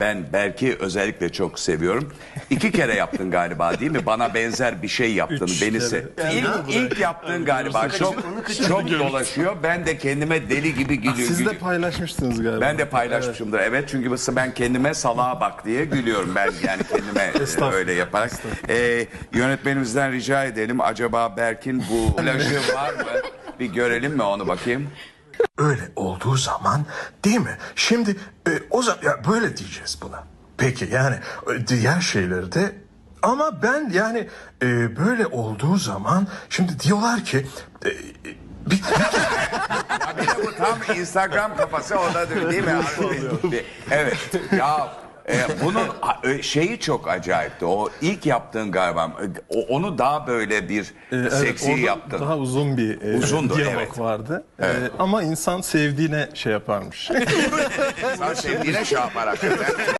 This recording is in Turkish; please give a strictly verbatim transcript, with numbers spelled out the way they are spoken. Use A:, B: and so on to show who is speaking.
A: Ben Berk'i özellikle çok seviyorum. İki kere yaptın galiba değil mi? Bana benzer bir şey yaptın.
B: Üç
A: Beni
B: kere.
A: se ilk, ilk yaptığın galiba çok çok dolaşıyor. Ben de kendime deli gibi gülüyorum.
B: Siz de paylaşmıştınız galiba.
A: Ben de paylaşmışımdır. Evet, çünkü mesela ben kendime salağa bak diye gülüyorum ben, yani kendime e, öyle yaparak. E, yönetmenimizden rica edelim, acaba Berk'in bu plajı var mı? Bir görelim mi onu, bakayım.
C: Öyle olduğu zaman değil mi? Şimdi e, o zaman ya böyle diyeceğiz buna. Peki yani e, diğer şeyleri de ama ben yani e, böyle olduğu zaman şimdi diyorlar ki e, bir,
A: Ya bir de bu tam Instagram kafası, o da değil mi? Evet. Ya e, bunun e, şeyi çok acayipti. O ilk yaptığın galiba, o, onu daha böyle bir
B: Ee, evet,
A: seksi
B: orada
A: yaptın.
B: Daha uzun bir e,
A: Uzundu,
B: diyalog
A: evet.
B: vardı.
A: Evet.
B: E, ama insan sevdiğine şey yaparmış.
A: Sen sevdiğine şey yapar hakikaten.